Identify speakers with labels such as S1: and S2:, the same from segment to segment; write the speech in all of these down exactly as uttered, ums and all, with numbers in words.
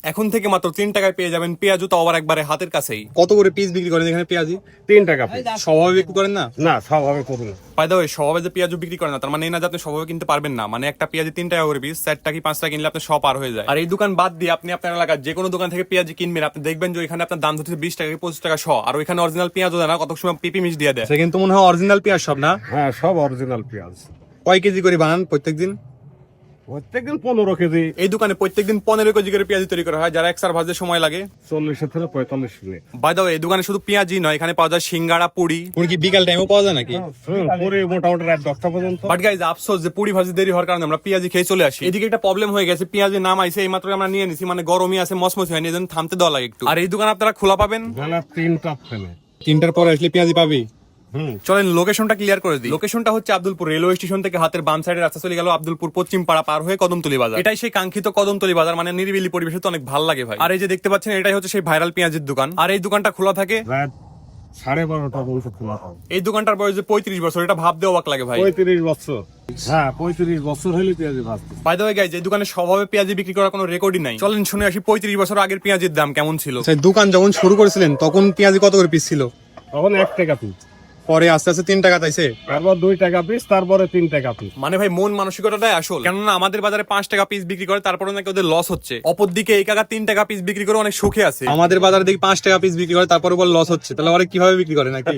S1: এখন থেকে মাত্র তিন টাকায় পেয়ে যাবেন পেঁয়াজু, তো আবার একবারে হাতের কাছেই। কত করে পিস বিক্রি করেন এখানে পেঁয়াজি?
S2: তিন টাকা পিস।
S1: স্বভাবে বিক্রি করেন না?
S2: না, স্বভাবে করি না।
S1: বাই দ্য ওয়ে, স্বভাবে যে পেঁয়াজু বিক্রি করেন না তার মানে এই না যে আপনি স্বভাবে কিনতে পারবেন না। মানে একটা পেঁয়াজি তিন টাকা করে পিস, চারটা কি পাঁচটা কিনলে আপনার সব পার হয়ে যায়। আর এই দোকান বাদ দিয়ে আপনি আপনার এলাকার যে কোনো দোকান থেকে পেঁয়াজি কিনবেন, আপনি দেখবেন যে এখানে আপনার দাম হচ্ছে বিশ টাকা কি পঁচিশ টাকা শ। আর ওইখানে অরিজিনাল পেঁয়াজও দেয় না, কত সময় পিপি মিশ দিয়ে দেয়।
S3: সে কিন্তু মনে হয় অরিজিনাল পেঁয়াজ সব না?
S2: হ্যাঁ, সব অরিজিনাল পেঁয়াজ।
S3: কয় কেজি করে বানান প্রত্যেকদিন?
S2: প্রত্যেকদিন পনেরো কেজি।
S1: এই দোকানে প্রত্যেকদিন পনেরো কেজি করে পেঁয়াজি তৈরি করা হয়, যারা একসার ভাজতে সময় লাগে
S2: চল্লিশ থেকে পঁয়তাল্লিশ মিনিট।
S1: বাই দ্য ওয়ে, এই দোকানে শুধু পেঁয়াজি নয়, এখানে পাওয়া যায় সিঙ্গাড়া, পুরি।
S3: পুরি কি বিকাল টাইমও পাওয়া যায় নাকি?
S2: পুরি মোটামুটি রাত দশটা পর্যন্ত।
S1: বাট গাইজ, আফসোস যে পুরি ভাজি দেরি হওয়ার কারণে আমরা পেঁয়াজি খেয়ে চলে আসি। এদিকে একটা প্রবলেম হয়ে গেছে, পেঁয়াজি নাম আইছে এই মাত্র আমরা নিয়ে নিছি, মানে গরমই আছে, মসমস হয়নি, এজন্য থামতে দেওয়া লাগে একটু। আর এই দোকান আপনারা খোলা পাবেন
S2: বেলা তিনটা ফেলে।
S3: তিনটার পরে আসলে পেঁয়াজি পাবি?
S2: হুম।
S1: চলেন লোকেশনটা ক্লিয়ার করে দিই। লোকেশনটা হচ্ছে আব্দুলপুর রেলওয়ে স্টেশন থেকে হাতের বাম সাইডে রাস্তা চলে গেল আব্দুলপুর পশ্চিম পাড়া পার হয়ে কদমতলী বাজার। এটাই সেই কাঙ্ক্ষিত কদমতলী বাজার, মানে নিরিবিলি পরিবেশে তো অনেক ভালো লাগে ভাই। আর এই যে দেখতে পাচ্ছেন, এটাই হচ্ছে সেই ভাইরাল পেঁয়াজের দোকান। আর এই দোকানটা খোলা থাকে
S2: রাত সাড়ে বারোটা পর্যন্ত খোলা থাকে।
S1: এই দোকানটার বয়স যে পঁয়ত্রিশ বছর, এটা ভাবতে অবাক লাগে ভাই।
S2: পঁয়ত্রিশ বছর। হ্যাঁ, পঁয়ত্রিশ বছর হলে পেঁয়াজি ভাজতে।
S1: বাই দ্য ওয়ে গাইজ, এই দোকানে স্বভাবে পেঁয়াজি বিক্রি করার কোনো রেকর্ডই নাই। চলেন শুনে আসি পঁয়ত্রিশ বছর আগের পেঁয়াজের দাম কেমন ছিল।
S3: সেই দোকান যখন শুরু করেছিলেন তখন পেঁয়াজি কত করে পিস ছিল?
S2: তখন এক টাকা পিস,
S3: পরে আস্তে আস্তে তিন টাকা তাইছে,
S2: তারপর দুই টাকা পিস, তারপরে তিন টাকা পিস।
S1: মানে ভাই মন মানসিকতাটাই আসল। কেননা আমাদের বাজারে পাঁচ টাকা পিস বিক্রি করে, তারপরে নাকি ওদের লস হচ্ছে। অপরদিকে এই কাকা তিন টাকা পিস বিক্রি করে অনেক সুখে আছে।
S3: আমাদের বাজারে দেখি পাঁচ টাকা পিস বিক্রি করে তারপর বল লস হচ্ছে, তাহলে ওরা কিভাবে বিক্রি করে নাকি?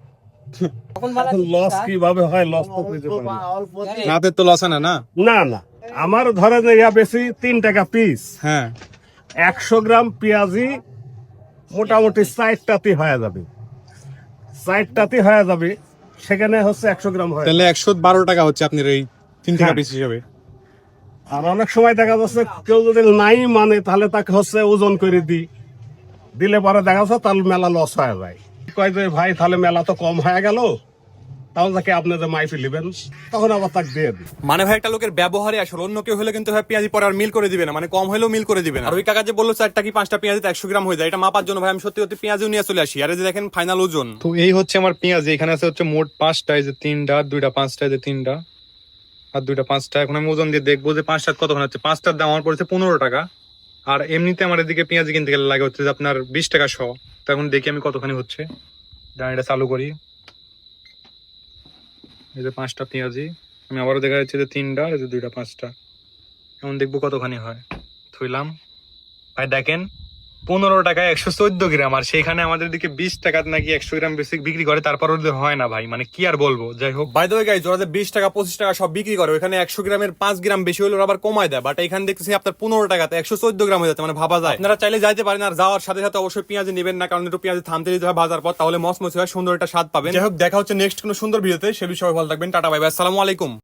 S2: লস কিভাবে হয়, লস তো বুঝতে পারি না।
S3: নাতের তো লস হয় না না?
S2: না না, আমার ধরেন ইয়া বেশি তিন টাকা পিস,
S3: হ্যাঁ,
S2: একশো গ্রাম পেঁয়াজি মোটামুটি চারটাতে হয়ে যাবে, চারটাতে হয়ে যাবে, সেখানে হচ্ছে একশো গ্রাম হয়।
S3: তাহলে একশো বারো টাকা হচ্ছে আপনার এই তিন টাকা
S2: হ্যাঁ।
S3: পিস হিসাবে।
S2: আর অনেক সময় দেখা যাচ্ছে কেউ যদি নাই মানে তাহলে তাকে হচ্ছে ওজন করে দিই, দিলে পরে দেখা যাচ্ছে তাহলে মেলা লস হয়ে যায়। কয় যে ভাই তাহলে মেলা তো কম হয়ে গেল, তাহলে তাকে আপনি যে মাইপি নেবেন তখন আবার তাকে দিয়ে দিই।
S1: মানে ভাই একটা লোকের ব্যবহারে আসলে, অন্য কেউ হলে কিন্তু ভাই পেঁয়াজি পরে আর মিল করে দিবে না, মানে কম হলেও মিল করে দিবে না। আর ওই কাকা যে বললো চারটা কি পাঁচটা পেঁয়াজিতে একশো গ্রাম হয়ে যায়, এটা মাপার জন্য ভাই আমি সত্যি সত্যি পেঁয়াজিও নিয়ে চলে আসি। আর এই যে দেখেন ফাইনাল ওজন।
S3: তো এই হচ্ছে আমার পেঁয়াজ, এখানে আছে হচ্ছে মোট পাঁচটা, এই যে তিনটা, দুইটা পাঁচটা, এই যে তিনটা আর দুইটা পাঁচটা। এখন আমি ওজন দিয়ে দেখবো যে পাঁচটার কতক্ষণ হচ্ছে। পাঁচটার দাম আমার পড়েছে পনেরো টাকা, আর এমনিতে আমার এদিকে পেঁয়াজ কিনতে গেলে লাগে হচ্ছে যে আপনার বিশ টাকা শ। তো এখন দেখি আমি কতখানি হচ্ছে, এটা চালু করি। এই যে পাঁচটা পেঁয়াজি, আমি আবারও দেখা যাচ্ছে যে তিনটা, এই যে দুইটা পাঁচটা, এখন দেখবো কতখানি হয়। থইলাম ভাই, দেখেন পনেরো টাকায় একশো চোদ্দ গ্রাম, আর সেখানে আমাদের দিকে বিশ টাকা নাকি একশো গ্রাম বেশি বিক্রি করে, তারপর ওদের হয় না ভাই, মানে কি আর বলবো। যাই হোক, বাই দ্য ওয়ে গাইস, ওরা যে বিশ টাকা পঁচিশ টাকা সব বিক্রি করে, ওখানে একশো গ্রামের পাঁচ গ্রাম বেশি হলে ওরা আবার কমায় দেয়। বাট এখানে দেখতেছি আপনার পনেরো টাকাতে একশো চোদ্দ গ্রাম হয়ে যাচ্ছে, মানে ভাবা যায়। আপনারা চাইলে যাইতে পারেন, আর যাওয়ার সাথে সাথে অবশ্যই পেঁয়াজ নেবেন না, কারণ একটু পেঁয়াজ থামতে দিতে হয় ভাজার পর, তাহলে মসমস হয়, সুন্দর একটা স্বাদ পাবেন। যাই হোক, দেখা হচ্ছে নেক্সট কোনো সুন্দর ভিডিওতে। সে বিষয়ে ভালো থাকবেন, টাটা বাই বাই, আসসালামু আলাইকুম।